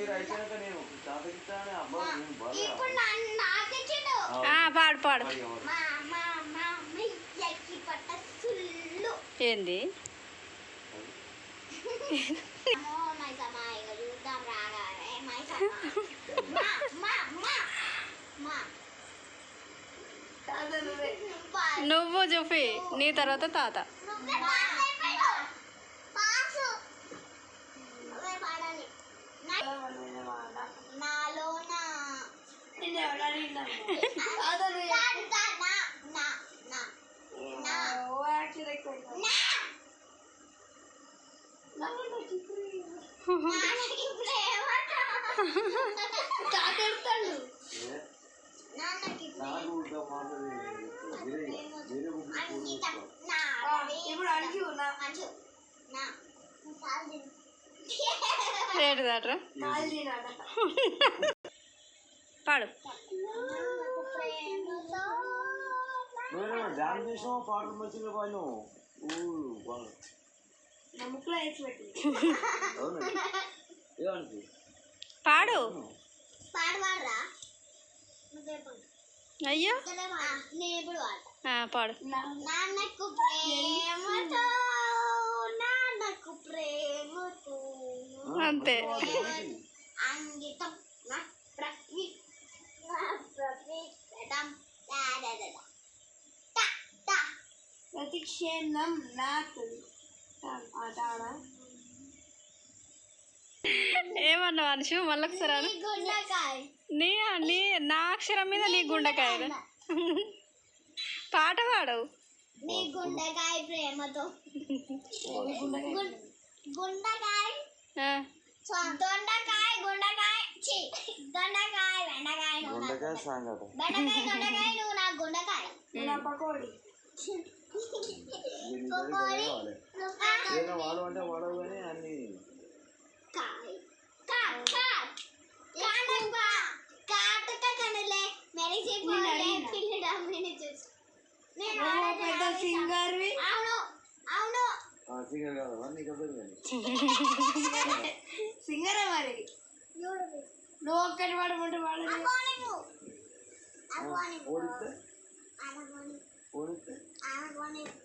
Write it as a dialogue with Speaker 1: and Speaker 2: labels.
Speaker 1: పాడు పాడు ఏంది నువ్వు చూపి నీ తర్వాత తాత ఏంటిదాట్రా పాడు పాడు అయ్యో పాడు
Speaker 2: నాన్నకు ప్రేమతో నాన్నకు ప్రేమతో
Speaker 1: అంతే
Speaker 2: అంగితం ప్రతిక్షేణం నాకు
Speaker 1: ఏమన్నా మనిషి మళ్ళొకసారి నీ నీ నా అక్షరం మీద నీ గుండెకాయ పాట పాడవు
Speaker 2: నీ గుండెకాయ ప్రేమతో గుండెకాయ దొండకాయ గుండెకాయ దొండకాయ బెండకాయ బెండకాయ నువ్వు నా గుండెకాయ పకోడి సింగర్ మరి నువ్వు ఒక్కటి పడమంటే వాడు